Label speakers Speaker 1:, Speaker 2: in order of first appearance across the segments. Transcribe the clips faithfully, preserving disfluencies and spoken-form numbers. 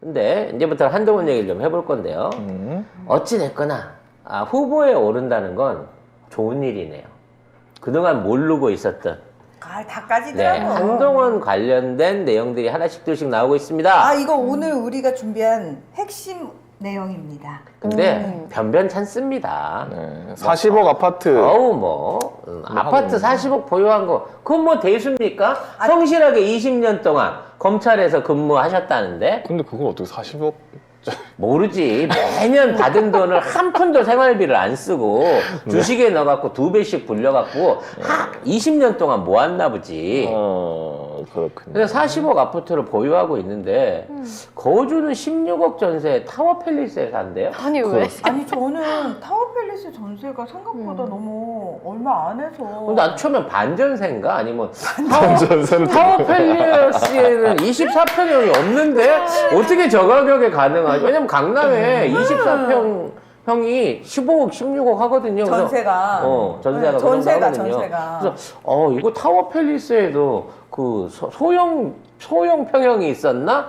Speaker 1: 근데 이제부터 한동훈 얘기를 좀 해볼 건데요.
Speaker 2: 음.
Speaker 1: 어찌됐거나 아, 후보에 오른다는 건 좋은 일이네요. 그동안 모르고 있었던
Speaker 3: 아, 다
Speaker 1: 네,
Speaker 3: 까지더라고.
Speaker 1: 한동훈 관련된 내용들이 하나씩 둘씩 나오고 있습니다.
Speaker 3: 아, 이거 오늘 우리가 준비한 핵심 내용입니다.
Speaker 1: 근데
Speaker 3: 음.
Speaker 1: 변변찮습니다.
Speaker 2: 네. 사십억 아파트.
Speaker 1: 어우 뭐 음,
Speaker 2: 뭐
Speaker 1: 아파트
Speaker 2: 하고
Speaker 1: 사십억 보유한 거 그건 뭐 대수입니까?
Speaker 3: 아,
Speaker 1: 성실하게 이십 년 동안 검찰에서 근무하셨다는데
Speaker 2: 근데 그걸 어떻게 사십억?
Speaker 1: 모르지. 매년 받은 돈을 한 푼도 생활비를 안 쓰고 주식에 넣어갖고 두 배씩 불려갖고 하, 이십 년 동안 모았나 보지.
Speaker 2: 어, 그렇군요.
Speaker 1: 그래서 사십억 아파트를 보유하고 있는데 거주는 십육억 전세 타워팰리스에 산대요.
Speaker 4: 아니 왜?
Speaker 3: 아니, 저는 타워팰리스 전세가 생각보다 너무 얼마 안 해서.
Speaker 1: 근데 난 처음엔 반전세인가? 아니면
Speaker 2: 반전세는
Speaker 1: 타워팰리스에는 이십사 평형이 없는데 어떻게 저 가격에 가능하지? 왜냐면 강남에 이십사 평형이 십오억, 십육억 하거든요. 그래서
Speaker 3: 전세가.
Speaker 1: 어, 전세가
Speaker 3: 네,
Speaker 1: 그 정도
Speaker 3: 전세가,
Speaker 1: 하거든요.
Speaker 3: 전세가.
Speaker 1: 그래서 어, 이거 타워팰리스에도 그 소, 소형 소형 평형이 있었나?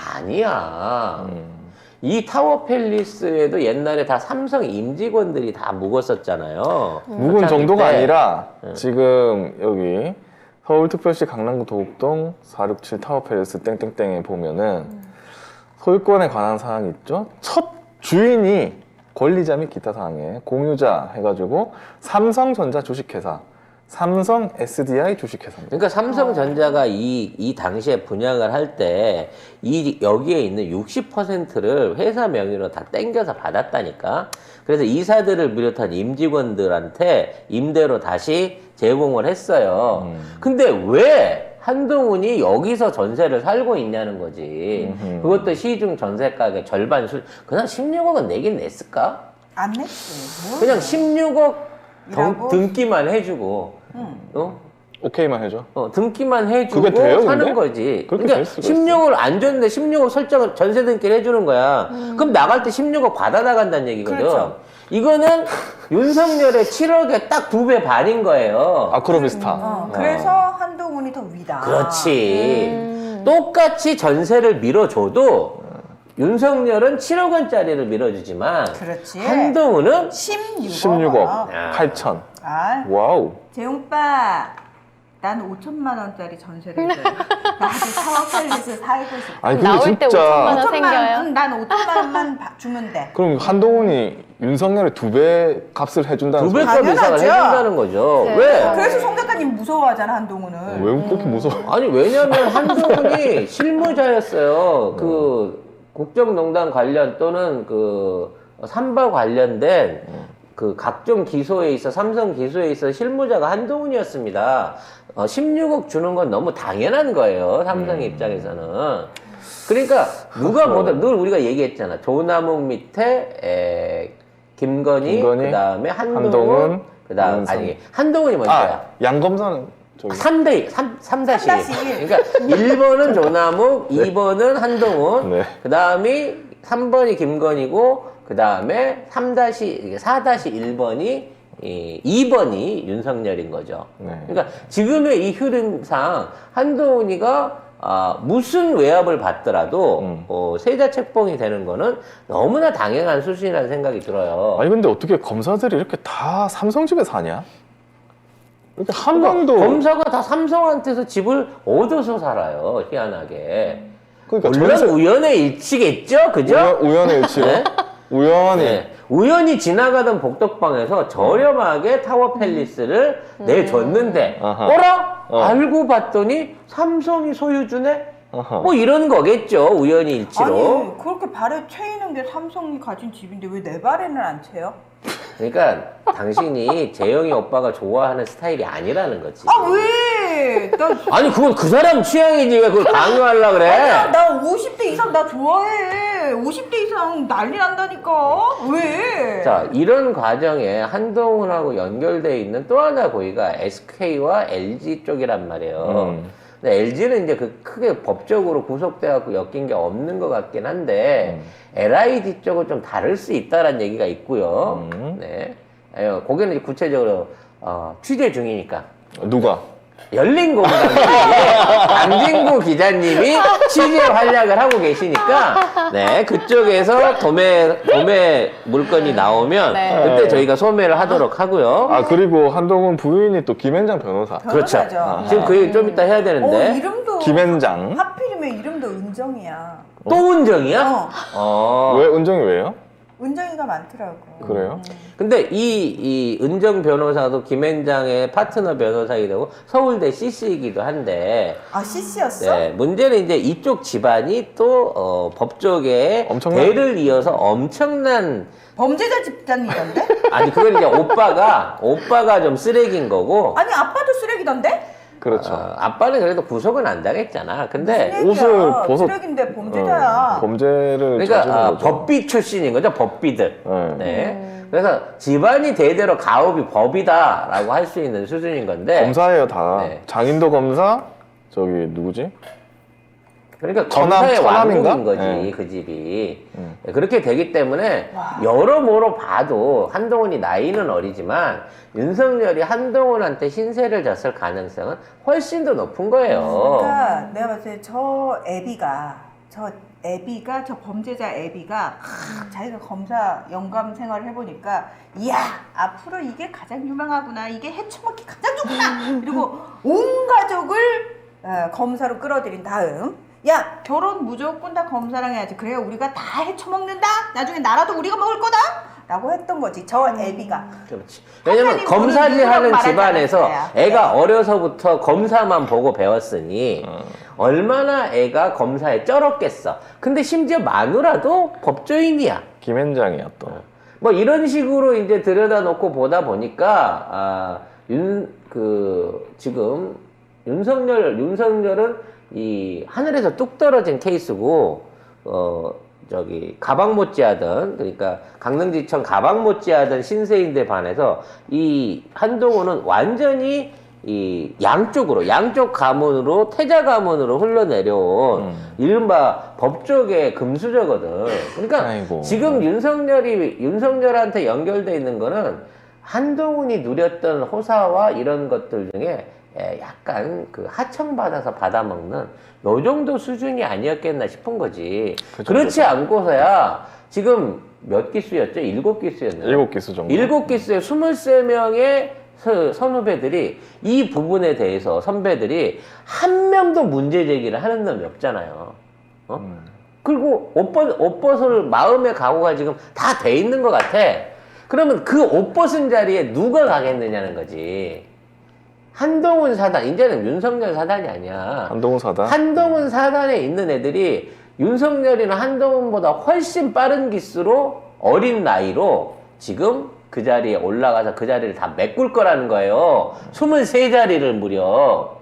Speaker 1: 아니야.
Speaker 2: 음.
Speaker 1: 이 타워팰리스에도 옛날에 다 삼성 임직원들이 다 묵었었잖아요.
Speaker 2: 묵은
Speaker 1: 초창기
Speaker 2: 정도가
Speaker 1: 때.
Speaker 2: 아니라 지금 여기 서울특별시 강남구 도곡동 사육칠 타워팰리스 땡땡땡에 보면은 소유권에 관한 사항이 있죠. 첫 주인이 권리자 및 기타 사항에 공유자 해가지고 삼성전자 주식회사, 삼성 에스디아이 주식회사입니다.
Speaker 1: 그러니까 삼성전자가 이, 이 당시에 분양을 할 때 이 여기에 있는 육십 퍼센트를 회사 명의로 다 땡겨서 받았다니까. 그래서 이사들을 비롯한 임직원들한테 임대로 다시 제공을 했어요.
Speaker 2: 음.
Speaker 1: 근데 왜 한동훈이 여기서 전세를 살고 있냐는 거지.
Speaker 2: 음흠.
Speaker 1: 그것도 시중 전세 가격 절반 수, 그냥 십육억은 내긴 냈을까?
Speaker 3: 안 냈지. 뭘
Speaker 1: 그냥
Speaker 3: 내.
Speaker 1: 십육억 등,
Speaker 3: 이라고?
Speaker 1: 등기만 해주고,
Speaker 3: 응.
Speaker 1: 어?
Speaker 2: 오케이만 해줘.
Speaker 1: 어, 등기만 해주고
Speaker 2: 그게 돼요,
Speaker 1: 사는
Speaker 2: 근데?
Speaker 1: 거지.
Speaker 2: 그렇게
Speaker 1: 그러니까
Speaker 2: 될 수가
Speaker 1: 십육억을 안 줬는데 십육억 설정을 전세 등기를 해주는 거야. 그럼 나갈 때 십육억 받아 나간다는 얘기거든.
Speaker 3: 그렇죠.
Speaker 1: 이거는 윤석열의 칠억에 딱 두 배 반인 거예요.
Speaker 2: 아크로비스타.
Speaker 3: 어, 그래서 한동훈이 더 위다.
Speaker 1: 그렇지.
Speaker 4: 음.
Speaker 1: 똑같이 전세를 밀어줘도 윤석열은 칠억 원짜리를 밀어주지만
Speaker 3: 그렇지.
Speaker 1: 한동훈은
Speaker 3: 십육억.
Speaker 2: 십육억
Speaker 1: 야.
Speaker 2: 팔천.
Speaker 3: 아,
Speaker 2: 와우.
Speaker 3: 재용빠, 난 오천만 원짜리 전세를 줘. 나도 타워팰리스 살고 싶어.
Speaker 2: 아니 근데
Speaker 4: 나올 때 오천만
Speaker 2: 진짜
Speaker 4: 원.
Speaker 3: 오천만
Speaker 4: 생겨요?
Speaker 3: 원, 응, 난 오천만 원만 바- 주면 돼.
Speaker 2: 그럼 한동훈이 윤석열의 두 배 값을 해준다는
Speaker 1: 두
Speaker 2: 소리.
Speaker 1: 배값 이상을
Speaker 3: 당연하죠.
Speaker 1: 해준다는 거죠.
Speaker 4: 네.
Speaker 1: 왜?
Speaker 3: 그래서 송 작가님 무서워하잖아, 한동훈을.
Speaker 2: 왜 그렇게 무서워?
Speaker 1: 아니 왜냐면 한동훈이 실무자였어요. 그 국정농단 관련 또는 그 삼바 관련된 그 각종 기소에 있어 삼성 기소에 있어 실무자가 한동훈이었습니다. 어, 십육억 주는 건 너무 당연한 거예요. 삼성 입장에서는. 그러니까 누가 보든 늘 우리가 얘기했잖아. 조남욱 밑에 에, 김건희,
Speaker 2: 김건희,
Speaker 1: 그다음에 한동훈,
Speaker 2: 한동훈,
Speaker 1: 그다음
Speaker 2: 윤석.
Speaker 1: 아니 한동훈이 먼저야.
Speaker 2: 아, 양검사는 저기.
Speaker 1: 삼 대 삼, 삼 다시
Speaker 3: 삼 다시 일.
Speaker 1: 그러니까 일 번은 조남욱, 이 번은 한동훈,
Speaker 2: 네.
Speaker 1: 그 다음이 삼 번이 김건희고, 그 다음에 삼 다시 사 다시 일 번이 이, 이 번이 윤석열인 거죠.
Speaker 2: 네.
Speaker 1: 그러니까 지금의 이 흐름상 한동훈이가 아, 무슨 외압을 받더라도
Speaker 2: 음.
Speaker 1: 어, 세자 책봉이 되는 거는 너무나 당연한 수준이라는 생각이 들어요.
Speaker 2: 아니 근데 어떻게 검사들이 이렇게 다 삼성 집에 사냐? 이렇게 한
Speaker 1: 그러니까
Speaker 2: 명도
Speaker 1: 검사가 다 삼성한테서 집을 얻어서 살아요. 희한하게.
Speaker 2: 그러니까
Speaker 1: 물론
Speaker 2: 전세
Speaker 1: 우연의 일치겠죠, 그죠?
Speaker 2: 우연, 우연의 일치로
Speaker 1: 네?
Speaker 2: 우연히
Speaker 1: 네. 우연히 지나가던 복덕방에서 저렴하게 타워팰리스를 내줬는데,
Speaker 2: 아하.
Speaker 1: 어라?
Speaker 2: 어.
Speaker 1: 알고 봤더니 삼성이 소유주네?
Speaker 2: 어허.
Speaker 1: 뭐 이런 거겠죠, 우연히 일치로.
Speaker 3: 아니, 그렇게 발에 채이는 게 삼성이 가진 집인데 왜 내 발에는 안 채요?
Speaker 1: 그러니까 당신이 재영이 오빠가 좋아하는 스타일이 아니라는 거지.
Speaker 3: 아, 왜? 나,
Speaker 1: 아니, 그건 그 사람 취향이지. 왜 그걸 강요하려고 그래?
Speaker 3: 아니야, 나 오십 대 이상 나 좋아해. 오십 대 이상 난리 난다니까. 왜?
Speaker 1: 자, 이런 과정에 한동훈하고 연결되어 있는 또 하나 고의가 에스케이와 엘지 쪽이란 말이에요.
Speaker 2: 음.
Speaker 1: 근데 엘지는 이제 그 크게 법적으로 구속돼갖고 엮인 게 없는 것 같긴 한데, 엘아이디 쪽은 좀 다를 수 있다라는 얘기가 있고요.
Speaker 2: 음.
Speaker 1: 네. 에, 거기는 이제 구체적으로, 어, 취재 중이니까.
Speaker 2: 누가?
Speaker 1: 열린 공감에 강진구 기자님이 취재 활약을 하고 계시니까 네 그쪽에서 도매 도매 물건이 나오면
Speaker 4: 네.
Speaker 1: 그때 저희가 소매를 하도록 하고요.
Speaker 2: 아 그리고 한동훈 부인이 또 김앤장 변호사.
Speaker 1: 그렇죠.
Speaker 3: 변호사죠.
Speaker 1: 아, 지금 그 얘기 좀 이따 해야
Speaker 3: 어,
Speaker 1: 되는데
Speaker 3: 이름도
Speaker 2: 김앤장.
Speaker 3: 하필이면 이름도 은정이야.
Speaker 1: 또 은정이야?
Speaker 3: 어,
Speaker 1: 어.
Speaker 2: 왜 은정이 왜요?
Speaker 3: 은정이가 많더라고.
Speaker 2: 그래요?
Speaker 1: 근데 이, 이 은정 변호사도 김앤장의 파트너 변호사이기도 하고 서울대 씨씨이기도 한데
Speaker 3: 아 씨씨였어?
Speaker 1: 네, 문제는 이제 이쪽 집안이 또 어, 법조계에
Speaker 2: 엄청난-
Speaker 1: 대를 이어서 엄청난
Speaker 3: 범죄자 집단이던데?
Speaker 1: 아니 그건 이제 오빠가 오빠가 좀 쓰레기인 거고
Speaker 3: 아니 아빠도 쓰레기던데?
Speaker 2: 그렇죠.
Speaker 1: 어, 아빠는 그래도 구속은 안 당했잖아. 근데
Speaker 3: 쓰레기야.
Speaker 2: 옷을 벗어-
Speaker 3: 쓰레기인데 범죄자야.
Speaker 2: 어, 범죄를
Speaker 1: 그러니까
Speaker 2: 저지른
Speaker 1: 아,
Speaker 2: 거죠.
Speaker 1: 법비 출신인 거죠, 법비들.
Speaker 2: 네.
Speaker 1: 네. 그래서 집안이 대대로 가업이 법이다라고 할 수 있는 수준인 건데.
Speaker 2: 검사예요 다.
Speaker 1: 네.
Speaker 2: 장인도 검사. 저기 누구지?
Speaker 1: 그러니까
Speaker 2: 처남-
Speaker 1: 검사의
Speaker 2: 처남인가?
Speaker 1: 왕국인 거지,
Speaker 2: 네.
Speaker 1: 그 집이.
Speaker 2: 음.
Speaker 1: 그렇게 되기 때문에 여러모로 봐도 한동훈이 나이는 어리지만 윤석열이 한동훈한테 신세를 졌을 가능성은 훨씬 더 높은 거예요.
Speaker 3: 그러니까 내가 봤을 때 저 애비가 저 애비가 저 범죄자 애비가 크, 자기가 검사 영감 생활을 해보니까 이야 앞으로 이게 가장 유명하구나 이게 해초먹기 가장 좋구나 그리고 온 가족을 어, 검사로 끌어들인 다음 야 결혼 무조건 다 검사랑 해야지 그래야 우리가 다 해쳐먹는다 나중에 나라도 우리가 먹을 거다 라고 했던 거지 저 애비가
Speaker 1: 그렇지. 왜냐면
Speaker 3: 하나님
Speaker 1: 검사지
Speaker 3: 보는
Speaker 1: 하는
Speaker 3: 말하지
Speaker 1: 집안에서
Speaker 3: 않았어요.
Speaker 1: 애가
Speaker 3: 네.
Speaker 1: 어려서부터 검사만 보고 배웠으니
Speaker 2: 어.
Speaker 1: 얼마나 애가 검사에 쩔었겠어. 근데 심지어 마누라도 법조인이야.
Speaker 2: 김앤장이야 또.
Speaker 1: 뭐 이런 식으로 이제 들여다놓고 보다 보니까 아, 윤 그 지금 윤석열 윤석열은 이 하늘에서 뚝 떨어진 케이스고 어 저기 가방 못지하던 그러니까 강릉지청 가방 못지하던 신세인데 반해서 이 한동훈은 완전히 이 양쪽으로 양쪽 가문으로 태자 가문으로 흘러내려온
Speaker 2: 음.
Speaker 1: 이른바 법조계 금수저거든. 그러니까
Speaker 2: 아이고.
Speaker 1: 지금 윤석열이 윤석열한테 연결돼 있는 거는 한동훈이 누렸던 호사와 이런 것들 중에 에, 약간 그 하청받아서 받아먹는 요 정도 수준이 아니었겠나 싶은 거지.
Speaker 2: 그죠,
Speaker 1: 그렇지
Speaker 2: 그죠.
Speaker 1: 않고서야 지금 몇 기수였죠? 일곱 기수였나요?
Speaker 2: 일곱 기수 정도.
Speaker 1: 일곱 기수에 스물세 명의 서- 선후배들이 이 부분에 대해서 선배들이 한 명도 문제 제기를 하는 놈이 없잖아요. 어?
Speaker 2: 음.
Speaker 1: 그리고 옷, 벗, 옷 벗을 마음의 각오가 지금 다 돼 있는 것 같아. 그러면 그 옷 벗은 자리에 누가 가겠느냐는 거지. 한동훈 사단, 이제는 윤석열 사단이 아니야.
Speaker 2: 한동훈 사단.
Speaker 1: 한동훈 사단에 있는 애들이 윤석열이나 한동훈보다 훨씬 빠른 기수로 어린 나이로 지금 그 자리에 올라가서 그 자리를 다 메꿀 거라는 거예요. 스물세 자리를 무려.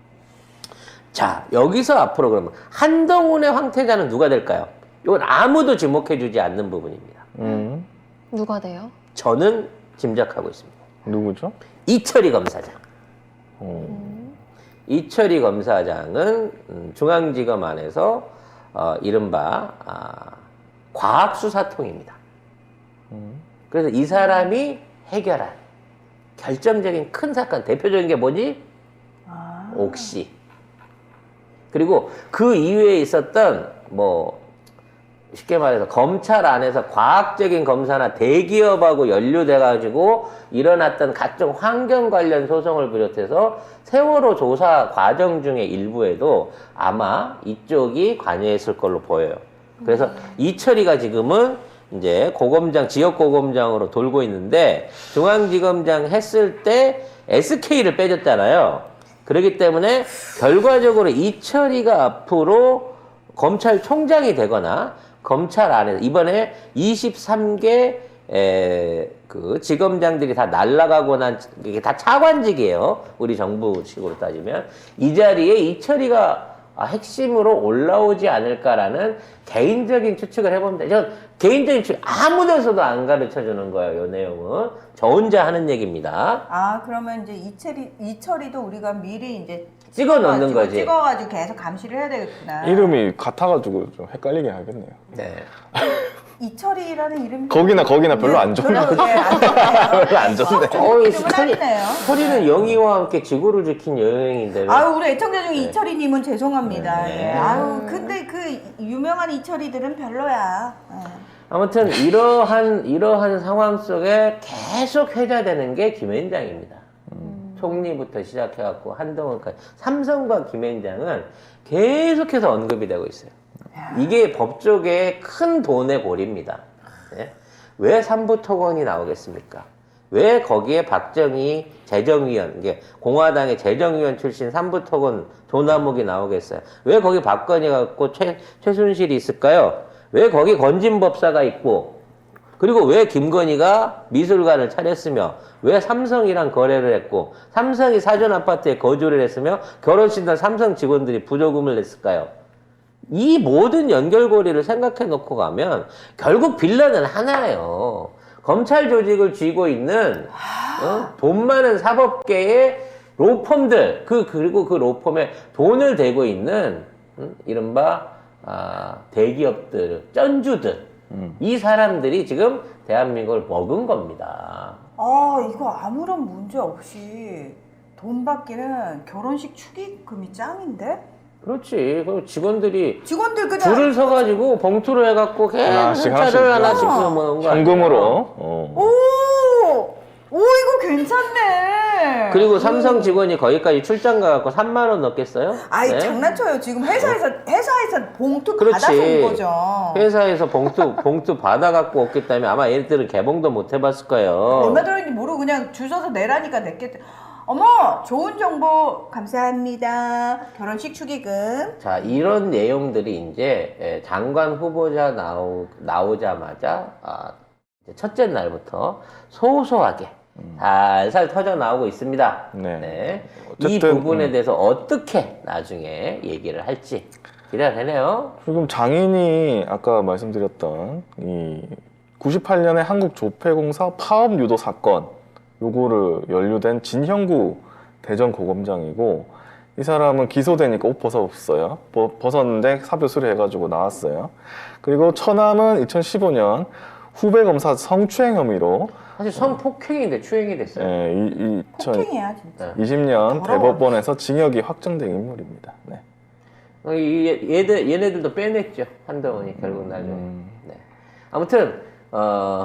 Speaker 1: 자, 여기서 앞으로 그러면 한동훈의 황태자는 누가 될까요? 이건 아무도 지목해주지 않는 부분입니다.
Speaker 2: 음.
Speaker 4: 누가 돼요?
Speaker 1: 저는 짐작하고 있습니다.
Speaker 2: 누구죠?
Speaker 1: 이철희 검사장.
Speaker 2: 어.
Speaker 1: 이철희 검사장은 음, 중앙지검 안에서 어, 이른바 아, 과학수사통입니다.
Speaker 2: 음.
Speaker 1: 그래서 이 사람이 해결한 결정적인 큰 사건, 대표적인 게 뭐지?
Speaker 3: 아.
Speaker 1: 옥시. 그리고 그 이후에 있었던 뭐 쉽게 말해서 검찰 안에서 과학적인 검사나 대기업하고 연루돼가지고 일어났던 각종 환경 관련 소송을 비롯해서 세월호 조사 과정 중의 일부에도 아마 이쪽이 관여했을 걸로 보여요. 그래서 이철이가 지금은 이제 고검장, 지역 고검장으로 돌고 있는데 중앙지검장 했을 때 에스케이를 빼줬잖아요. 그렇기 때문에 결과적으로 이철이가 앞으로 검찰총장이 되거나 검찰 안에서 이번에 이십삼 개 에, 그 지검장들이 다 날아가고 난 이게 다 차관직이에요. 우리 정부식으로 따지면 이 자리에 이철이가 아, 핵심으로 올라오지 않을까라는 개인적인 추측을 해봅니다. 전 개인적인 추측 아무 데서도 안 가르쳐 주는 거예요. 이 내용은 저 혼자 하는 얘기입니다.
Speaker 3: 아 그러면 이제 이철이 이철이도 우리가 미리 이제
Speaker 1: 찍어 넣는
Speaker 3: 찍어가지고,
Speaker 1: 거지.
Speaker 3: 찍어가지고 계속 감시를 해야 되겠구나.
Speaker 2: 이름이 같아가지고 좀 헷갈리게 하겠네요.
Speaker 1: 네.
Speaker 3: 이철이라는 이름이
Speaker 2: 거기나 거기나 별로 안 좋네.
Speaker 3: 별로 예, 안 좋네요.
Speaker 2: 별로 안 좋네.
Speaker 1: 어이,
Speaker 3: 좀
Speaker 1: 철이,
Speaker 3: 하네요.
Speaker 1: 철이는 영희와 함께 지구를 지킨 여행인데. 왜?
Speaker 3: 아유 우리 애청자 중에
Speaker 1: 네.
Speaker 3: 이철이님은 죄송합니다.
Speaker 1: 네.
Speaker 3: 예. 아유 근데 그 유명한 이철이들은 별로야. 예.
Speaker 1: 아무튼 이러한 이러한 상황 속에 계속 회자되는 게 김앤장입니다. 총리부터 시작해갖고 한동훈까지 삼성과 김앤장은 계속해서 언급이 되고 있어요. 이게 법조계의 큰 돈의 골입니다. 네? 왜 삼부토건이 나오겠습니까? 왜 거기에 박정희 재정위원, 이게 공화당의 재정위원 출신 삼부토건 조남욱이 나오겠어요? 왜 거기 박건희가 있고 최, 최순실이 있을까요? 왜 거기 건진법사가 있고, 그리고 왜 김건희가 미술관을 차렸으며, 왜 삼성이랑 거래를 했고, 삼성이 사전 아파트에 거주를 했으며, 결혼식날 삼성 직원들이 부조금을 냈을까요? 이 모든 연결고리를 생각해 놓고 가면 결국 빌런은 하나예요. 검찰 조직을 쥐고 있는 어? 돈 많은 사법계의 로펌들, 그 그리고 그 로펌에 돈을 대고 있는 음? 이른바 아, 대기업들, 쩐주들,
Speaker 2: 음.
Speaker 1: 이 사람들이 지금 대한민국을 먹은 겁니다.
Speaker 3: 아 이거 아무런 문제 없이 돈 받기는 결혼식 축의금이 짱인데?
Speaker 1: 그렇지. 그럼 직원들이
Speaker 3: 직원들 그냥
Speaker 1: 줄을 서가지고 봉투로 해갖고 계속
Speaker 2: 하나씩,
Speaker 1: 차를
Speaker 2: 하나씩.
Speaker 1: 하나씩
Speaker 3: 어.
Speaker 1: 모은 거
Speaker 2: 현금으로.
Speaker 1: 아니에요?
Speaker 2: 어.
Speaker 3: 오! 오 이거 괜찮네.
Speaker 1: 그리고 삼성 직원이 거기까지 출장 가갖고 삼만 원 넣겠어요?
Speaker 3: 아이
Speaker 1: 네?
Speaker 3: 장난쳐요. 지금 회사에서 회사에서 봉투
Speaker 1: 그렇지.
Speaker 3: 받아서 온 거죠.
Speaker 1: 회사에서 봉투 봉투 받아갖고 왔기 때문에 아마 얘네들은 개봉도 못 해봤을 거예요.
Speaker 3: 얼마 들었는지 모르고 그냥 줄 서서 내라니까 냈겠대. 어머 좋은 정보 감사합니다. 결혼식 축의금.
Speaker 1: 자, 이런 내용들이 이제 예, 장관 후보자 나오, 나오자마자 아, 이제 첫째 날부터 소소하게 살살 터져 나오고 있습니다.
Speaker 2: 네.
Speaker 1: 이
Speaker 2: 어쨌든,
Speaker 1: 부분에
Speaker 2: 음.
Speaker 1: 대해서 어떻게 나중에 얘기를 할지 기대가 되네요.
Speaker 2: 지금 장인이 아까 말씀드렸던 이 구십팔 년에 한국조폐공사 파업 유도 사건, 요거를 연루된 진형구 대전고검장이고, 이 사람은 기소되니까 옷 벗었어요. 버- 벗었는데 사표 수리해가지고 나왔어요. 그리고 처남은 이천십오 년 후배 검사 성추행 혐의로
Speaker 1: 사실 성폭행인데 추행이 됐어요.
Speaker 2: 예, 이,
Speaker 3: 폭행이야 진짜.
Speaker 2: 이천이십 년
Speaker 3: 더러워.
Speaker 2: 대법원에서 징역이 확정된 인물입니다. 네.
Speaker 1: 어, 이, 얘들, 얘네들도 빼냈죠. 한동훈이 결국 나중에.
Speaker 2: 음.
Speaker 1: 네. 아무튼 어,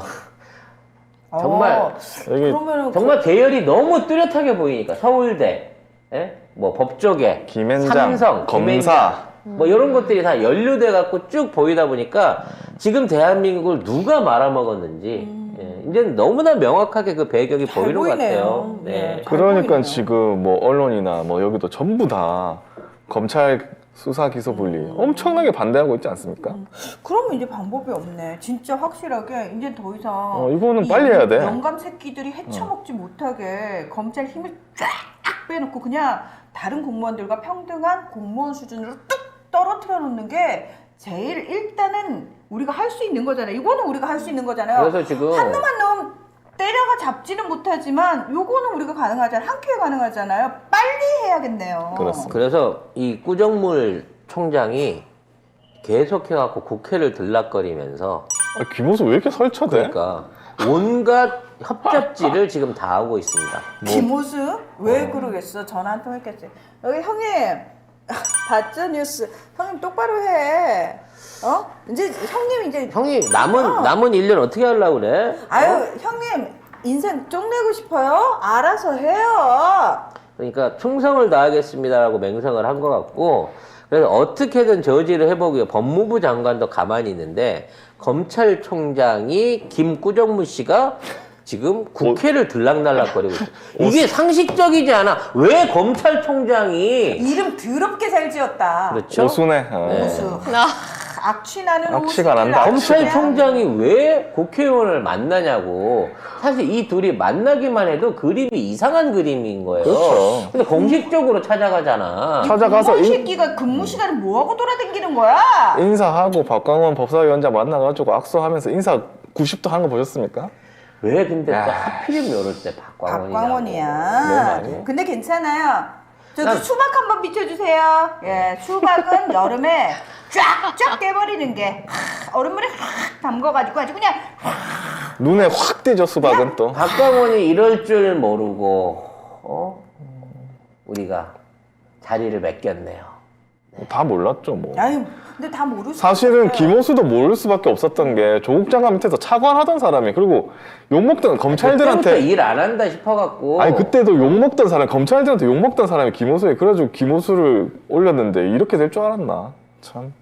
Speaker 1: 정말
Speaker 3: 어,
Speaker 2: 여기
Speaker 3: 그러면은
Speaker 1: 정말 계열이 너무 뚜렷하게 보이니까 서울대, 예? 뭐 법조계,
Speaker 2: 김앤장,
Speaker 1: 삼성,
Speaker 2: 검사.
Speaker 1: 김앤장, 뭐 이런 것들이 다 연루돼 갖고 쭉 보이다 보니까 지금 대한민국을 누가 말아먹었는지 예, 이제 너무나 명확하게 그 배경이
Speaker 3: 잘
Speaker 1: 보이는 것
Speaker 3: 보이네요.
Speaker 1: 같아요. 네.
Speaker 3: 네.
Speaker 2: 그러니까
Speaker 3: 보이네요.
Speaker 2: 지금 뭐 언론이나 뭐 여기도 전부 다 검찰 수사 기소 분리 엄청나게 반대하고 있지 않습니까?
Speaker 3: 그러면 이제 방법이 없네. 진짜 확실하게 이제 더 이상
Speaker 2: 어, 이거는
Speaker 3: 이
Speaker 2: 빨리 해야 돼.
Speaker 3: 영감 새끼들이 헤쳐먹지 못하게 검찰 힘을 쫙 빼놓고 그냥 다른 공무원들과 평등한 공무원 수준으로 뚝 떨어뜨려 놓는 게 제일 일단은 우리가 할 수 있는 거잖아요. 이거는 우리가 할 수 있는 거잖아요.
Speaker 1: 그래서 지금
Speaker 3: 한 놈 한 놈 때려가 잡지는 못하지만 요거는 우리가 가능하잖아요. 한 큐에 가능하잖아요. 빨리 해야겠네요.
Speaker 2: 그렇습니다.
Speaker 1: 그래서 이 꾸정물 총장이 계속해갖고 국회를 들락거리면서
Speaker 2: 아, 김호수 왜 이렇게 설쳐대?
Speaker 1: 그러니까 온갖 협잡지를 지금 다 하고 있습니다.
Speaker 3: 김호수? 왜 그러겠어? 전화 한 통 했겠지. 여기 형님 봤죠 뉴스? 형님 똑바로 해. 어? 이제 형님 이제
Speaker 1: 형이 남은
Speaker 3: 어.
Speaker 1: 남은 일 년 어떻게 하려고 그래?
Speaker 3: 아유 형님 인생 쪽내고 싶어요? 알아서 해요.
Speaker 1: 그러니까 충성을 다하겠습니다라고 맹성을 한 것 같고, 그래서 어떻게든 저지를 해보고요. 법무부 장관도 가만히 있는데 검찰총장이 김꾸정무 씨가 지금 국회를 들락날락거리고 있어요. 이게 상식적이지 않아. 왜 검찰총장이
Speaker 3: 이름 더럽게 잘 지었다.
Speaker 1: 그렇죠?
Speaker 2: 오순해. 어.
Speaker 1: 네.
Speaker 3: 오수. 악취나는
Speaker 2: 악취가
Speaker 3: 오수를
Speaker 2: 난다.
Speaker 3: 악취나는.
Speaker 1: 검찰총장이 왜 국회의원을 만나냐고. 사실 이 둘이 만나기만 해도 그림이 이상한 그림인 거예요.
Speaker 2: 그렇죠.
Speaker 1: 근데 공식적으로 찾아가잖아.
Speaker 2: 찾아가서
Speaker 3: 공무원
Speaker 2: 인-
Speaker 3: 새끼가 근무 시간에 뭐하고 돌아다니는 거야?
Speaker 2: 인사하고 박광원 법사위원장 만나가지고 악수하면서 인사 구십 도 하는 거 보셨습니까?
Speaker 1: 왜 근데 또
Speaker 2: 야.
Speaker 1: 하필이면 이럴 때 박광원이냐고. 왜
Speaker 3: 박광원이야.
Speaker 1: 말이야?
Speaker 3: 근데 괜찮아요. 저기
Speaker 1: 난-
Speaker 3: 수박 한번 비춰주세요. 예, 수박은 여름에 쫙쫙 깨버리는 게 하, 얼음물에 확 담궈가지고 아주 그냥
Speaker 2: 눈에 확 띄죠 수박은 또.
Speaker 1: 박광원이 이럴 줄 모르고 어? 우리가 자리를 맡겼네요.
Speaker 2: 다 몰랐죠 뭐.
Speaker 3: 아유, 근데 다 모르시죠.
Speaker 2: 사실은 김호수도 모를 수밖에 없었던 게 조국 장관 밑에서 차관하던 사람이 그리고 욕먹던 검찰들한테
Speaker 1: 일 안 한다 싶어갖고.
Speaker 2: 아니 그때도 욕먹던 사람 검찰들한테 욕먹던 사람이 김호수에 그래가지고 김호수를 올렸는데 이렇게 될 줄 알았나 참.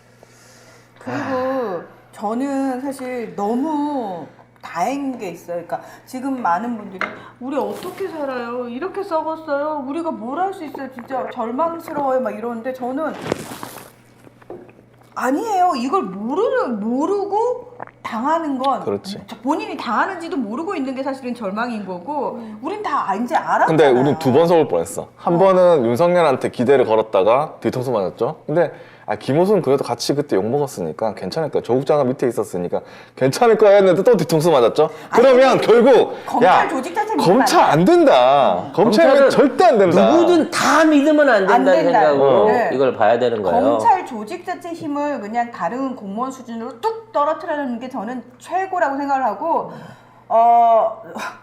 Speaker 3: 그리고 저는 사실 너무 다행인 게 있어요. 그러니까 지금 많은 분들이 우리 어떻게 살아요? 이렇게 썩었어요. 우리가 뭘 할 수 있어요? 진짜 절망스러워요. 막 이러는데 저는 아니에요. 이걸 모르는 모르고 당하는 건
Speaker 2: 그렇지.
Speaker 3: 본인이 당하는지도 모르고 있는 게 사실은 절망인 거고 우린 다 이제 알았잖아요.
Speaker 2: 근데 우린 두 번 속을 뻔했어. 한 번은 윤석열한테 기대를 걸었다가 뒤통수 맞았죠. 근데 아, 김호수는 그래도 같이 그때 욕먹었으니까 괜찮을 거야. 조국 장관 밑에 있었으니까 괜찮을 거야 했는데 또 뒤통수 맞았죠. 그러면
Speaker 3: 아니,
Speaker 2: 결국
Speaker 3: 검찰
Speaker 2: 야
Speaker 3: 조직 자체
Speaker 2: 검찰 안 된다. 검찰은
Speaker 1: 검찰은
Speaker 2: 절대 안 된다.
Speaker 1: 누구든 다 믿으면 안 된다는
Speaker 3: 안 된다.
Speaker 1: 생각으로
Speaker 3: 네.
Speaker 1: 이걸 봐야 되는 거예요.
Speaker 3: 검찰 조직 자체 힘을 그냥 다른 공무원 수준으로 뚝 떨어뜨리는 게 저는 최고라고 생각을 하고 어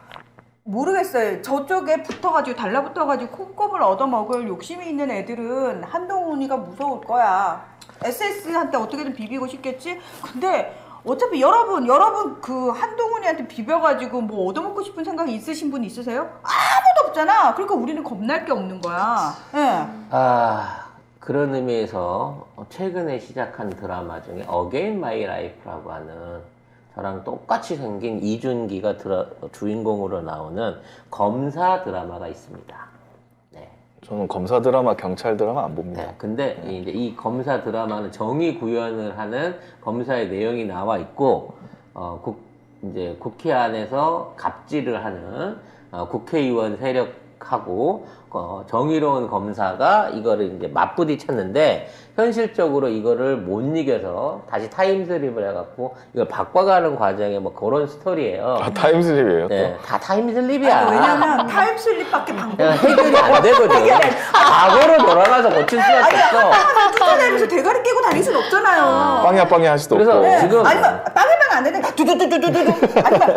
Speaker 3: 모르겠어요. 저쪽에 붙어가지고 달라붙어가지고 콩고물 얻어먹을 욕심이 있는 애들은 한동훈이가 무서울 거야. 에스에스한테 어떻게든 비비고 싶겠지. 근데 어차피 여러분 여러분 그 한동훈이한테 비벼가지고 뭐 얻어먹고 싶은 생각이 있으신 분 있으세요? 아무도 없잖아. 그러니까 우리는 겁날 게 없는 거야. 예.
Speaker 1: 아, 그런 의미에서 최근에 시작한 드라마 중에 어게인 마이 라이프라고 하는 저랑 똑같이 생긴 이준기가 드라, 주인공으로 나오는 검사 드라마가 있습니다. 네.
Speaker 2: 저는 검사 드라마, 경찰 드라마 안 봅니다.
Speaker 1: 네. 근데 이제 이 검사 드라마는 정의 구현을 하는 검사의 내용이 나와 있고, 어, 국, 이제 국회 안에서 갑질을 하는 어, 국회의원 세력하고 어, 정의로운 검사가 이거를 이제 맞부딪혔는데 현실적으로 이거를 못 이겨서 다시 타임슬립을 해갖고 이걸 바꿔가는 과정에 뭐 그런 스토리예요.
Speaker 2: 아, 타임슬립이에요.
Speaker 1: 네, 다 타임슬립이야.
Speaker 3: 아니, 왜냐면 타임슬립밖에 방법이
Speaker 1: 그냥 해결이 안 되거든. 과거로 돌아가서 고칠 수밖에 없어.
Speaker 3: 쫓아다니면서 대가리 깨고 다닐 순 없잖아요.
Speaker 2: 빵야 빵야 할 수도
Speaker 1: 그래서
Speaker 2: 없고.
Speaker 1: 네. 지금-
Speaker 3: 아니면 빵이면 안 되는데 두두두두두두 아니면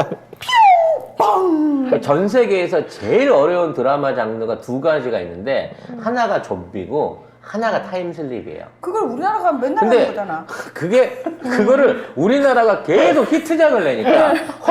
Speaker 3: 퓨 뻥.
Speaker 1: 전 세계에서 제일 어려운 드라마 장르가 두 가지가 있는데 하나가 좀비고 하나가 타임슬립이에요.
Speaker 3: 그걸 우리나라가 맨날
Speaker 1: 근데
Speaker 3: 하는 거잖아.
Speaker 1: 그게 그거를 우리나라가 계속 히트작을 내니까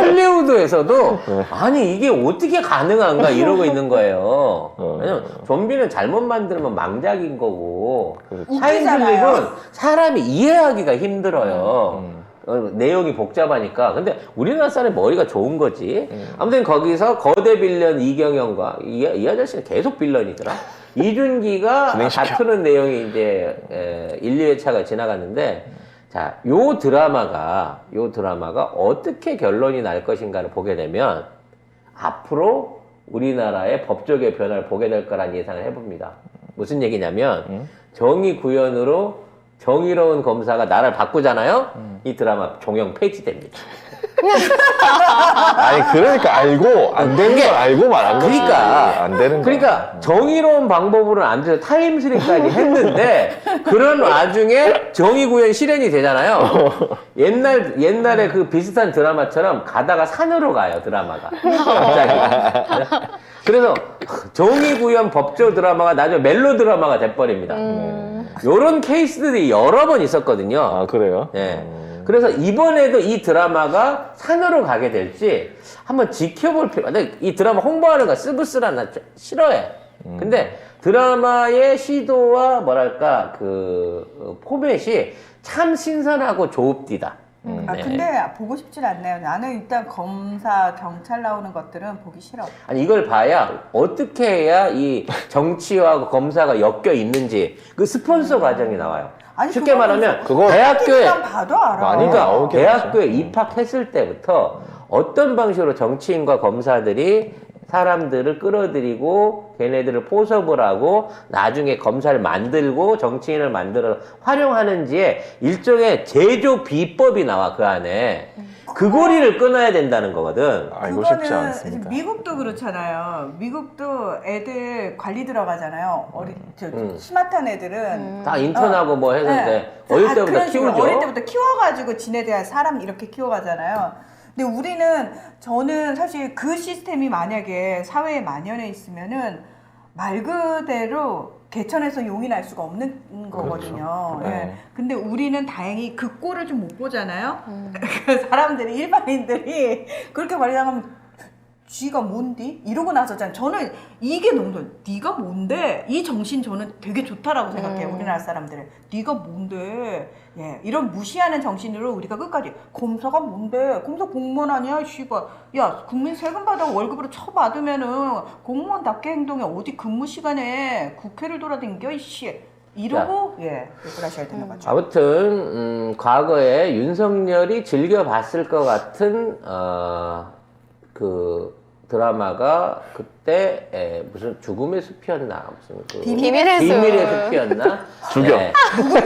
Speaker 1: 헐리우드에서도 아니 이게 어떻게 가능한가 이러고 있는 거예요. 왜냐면 좀비는 잘못 만들면 망작인 거고
Speaker 2: 그렇지.
Speaker 1: 타임슬립은 사람이 이해하기가 힘들어요. 어, 내용이 복잡하니까. 근데 우리나라 사람이 머리가 좋은 거지. 아무튼 거기서 거대 빌런 이경영과 이, 이 아저씨는 계속 빌런이더라. 이준기가
Speaker 2: 진행시켜.
Speaker 1: 다투는 내용이 이제 에, 일, 이 회차가 지나갔는데 자, 요 드라마가 요 드라마가 어떻게 결론이 날 것인가를 보게 되면 앞으로 우리나라의 법조계 변화를 보게 될 거란 예상을 해봅니다. 무슨 얘기냐면
Speaker 2: 음?
Speaker 1: 정의 구현으로 정의로운 검사가 나라를 바꾸잖아요.
Speaker 2: 음.
Speaker 1: 이 드라마 종영 폐지됩니다.
Speaker 2: 아니 그러니까 알고 안 되는 걸 알고 말한 거지.
Speaker 1: 그러니까
Speaker 2: 안 되는 거.
Speaker 1: 그러니까 정의로운 방법으로는 안 돼서 타임슬립까지 했는데 그런 와중에 정의 구현 실현이 되잖아요. 옛날 옛날에 그 비슷한 드라마처럼 가다가 산으로 가요 드라마가 갑자기. 그래서 정의 구현 법조 드라마가 나중에 멜로 드라마가 돼버립니다. 요런 케이스들이 여러 번 있었거든요.
Speaker 2: 아 그래요?
Speaker 1: 예. 그래서 이번에도 이 드라마가 산으로 가게 될지 한번 지켜볼 필요. 근데 이 드라마 홍보하는 거 쓰부쓰라 나 싫어해. 근데 드라마의 시도와 뭐랄까 그 포맷이 참 신선하고 조읍디다.
Speaker 2: 음.
Speaker 3: 아
Speaker 1: 네.
Speaker 3: 근데 보고 싶진 않네요. 나는 일단 검사, 경찰 나오는 것들은 보기 싫어.
Speaker 1: 아니 이걸 봐야 어떻게 해야 이 정치와 검사가 엮여 있는지 그 스폰서 과정이 나와요.
Speaker 3: 아니,
Speaker 1: 쉽게
Speaker 3: 그거는
Speaker 1: 말하면
Speaker 2: 그거
Speaker 1: 대학교에
Speaker 3: 일단 봐도 알아.
Speaker 2: 많이
Speaker 1: 그러니까
Speaker 2: 나오긴
Speaker 1: 대학교에 입학했을 때부터 어떤 방식으로 정치인과 검사들이 사람들을 끌어들이고 걔네들을 포섭을 하고 나중에 검사를 만들고 정치인을 만들어 활용하는지에 일종의 제조 비법이 나와 그 안에. 그 고리를 끊어야 된다는 거거든.
Speaker 2: 아, 이거 쉽지
Speaker 3: 그거는
Speaker 2: 않습니다.
Speaker 3: 미국도 그렇잖아요. 미국도 애들 관리 들어가잖아요. 어리 저
Speaker 1: 음.
Speaker 3: 스마트한 애들은
Speaker 1: 다 인턴하고 뭐 해서 이제
Speaker 3: 네.
Speaker 1: 어릴
Speaker 3: 아,
Speaker 1: 때부터
Speaker 3: 그런 식으로
Speaker 1: 키우죠.
Speaker 3: 어릴 때부터 키워가지고 지네들 사람 이렇게 키워가잖아요. 근데 우리는 저는 사실 그 시스템이 만약에 사회에 만연해 있으면은 말 그대로 개천에서 용이 날 수가 없는 거거든요.
Speaker 2: 그렇죠.
Speaker 3: 예.
Speaker 2: 네.
Speaker 3: 근데 우리는 다행히 그 꼴을 좀 못 보잖아요. 그 사람들이 일반인들이 그렇게 관리당하면 쥐가 뭔디? 이러고 나서 저는 이게 너무 좋아요. 네가 뭔데? 이 정신 저는 되게 좋다라고 생각해요.
Speaker 4: 음.
Speaker 3: 우리나라 사람들은. 네가 뭔데? 예, 이런 무시하는 정신으로 우리가 끝까지 검사가 뭔데? 검사 공무원 아니야? 씨발. 야, 국민 세금 받아 월급으로 쳐받으면은 공무원답게 행동해. 어디 근무 시간에 국회를 돌아다녀? 이씨. 이러고 예, 욕을 하셔야 되는 거죠.
Speaker 1: 아무튼 음, 과거에 윤석열이 즐겨봤을 것 같은 어, 그 드라마가 그때 에, 무슨 죽음의 숲이었나 무슨 그
Speaker 4: 비밀의 숲.
Speaker 1: 비밀의 숲이었나
Speaker 2: 죽여.
Speaker 1: 네.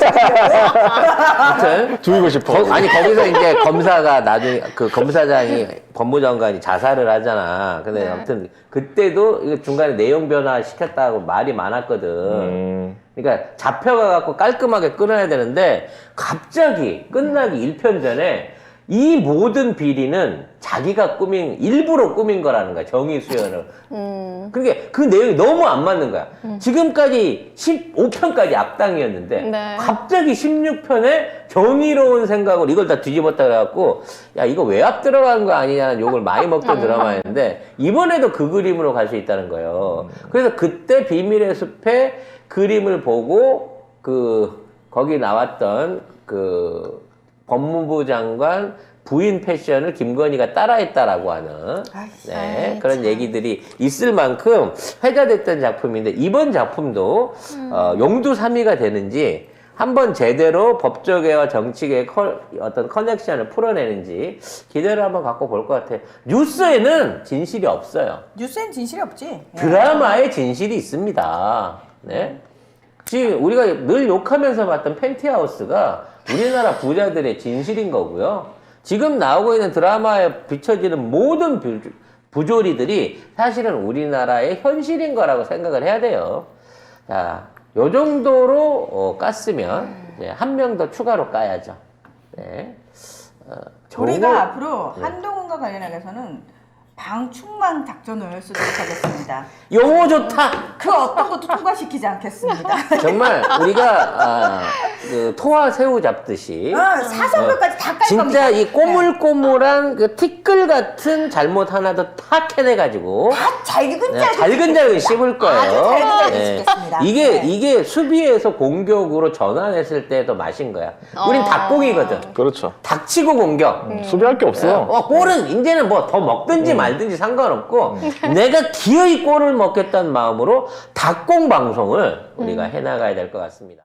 Speaker 1: 아무튼
Speaker 2: 죽이고 싶어.
Speaker 1: 거, 아니 거기서 이제 검사가 나중에 그 검사장이 법무장관이 자살을 하잖아. 근데
Speaker 4: 네.
Speaker 1: 아무튼 그때도 이거 중간에 내용 변화 시켰다고 말이 많았거든.
Speaker 2: 음,
Speaker 1: 그러니까 잡혀가 갖고 깔끔하게 끊어야 되는데 갑자기 끝나기 일 편 전에 이 모든 비리는 자기가 꾸민 일부러 꾸민 거라는 거야. 정의 수연을.
Speaker 4: 음.
Speaker 1: 그러니까 그 내용이 너무 안 맞는 거야. 지금까지 십오 편까지 악당이었는데
Speaker 4: 네.
Speaker 1: 갑자기 십육 편에 정의로운 생각으로 이걸 다 뒤집었다 그래갖고 야 이거 외압 들어간 거 아니냐는 욕을 많이 먹던 드라마였는데 이번에도 그 그림으로 갈 수 있다는 거예요. 그래서 그때 비밀의 숲의 그림을 보고 그 거기 나왔던 그 법무부 장관 부인 패션을 김건희가 따라했다라고 하는
Speaker 3: 아이,
Speaker 1: 네,
Speaker 4: 아이,
Speaker 1: 그런
Speaker 4: 참.
Speaker 1: 얘기들이 있을 만큼 회자됐던 작품인데 이번 작품도 어, 용두삼이가 되는지 한번 제대로 법조계와 정치계의 커, 어떤 커넥션을 풀어내는지 기대를 한번 갖고 볼 것 같아요. 뉴스에는 진실이 없어요.
Speaker 3: 뉴스엔 진실이 없지. 예.
Speaker 1: 드라마에 진실이 있습니다. 네. 지금 우리가 늘 욕하면서 봤던 펜트하우스가 우리나라 부자들의 진실인 거고요. 지금 나오고 있는 드라마에 비춰지는 모든 부, 부조리들이 사실은 우리나라의 현실인 거라고 생각을 해야 돼요. 자, 요 정도로 어, 깠으면 한 명 더 추가로 까야죠. 네. 어,
Speaker 3: 우리가
Speaker 1: 정말-
Speaker 3: 앞으로 한동훈과 관련해서는 방충망 작전을 쓰도록 하겠습니다.
Speaker 1: 용어 좋다.
Speaker 3: 그 어떤 것도 통과시키지 않겠습니다.
Speaker 1: 정말 우리가 아, 그 토와 새우 잡듯이
Speaker 3: 어, 사성별까지 다 깔 겁니다.
Speaker 1: 진짜 이 꼬물꼬물한 그 티끌 같은 잘못 하나도 다 캐내가지고
Speaker 3: 다 잘근잘근
Speaker 1: 잘근잘근 씹을 거예요.
Speaker 3: 아주 잘근잘근
Speaker 1: 예.
Speaker 3: 씹겠습니다.
Speaker 1: 이게
Speaker 3: 네.
Speaker 1: 이게 수비에서 공격으로 전환했을 때도 맛인 거야. 우린
Speaker 4: 어.
Speaker 1: 닭공이거든.
Speaker 2: 그렇죠.
Speaker 1: 닥치고 공격.
Speaker 2: 수비할 게 없어요.
Speaker 1: 어, 골은 이제는 뭐 더 먹든지 말든지 상관없고 내가 기어이 골을 먹겠다는 마음으로 닭공 방송을 우리가 해나가야 될 것 같습니다.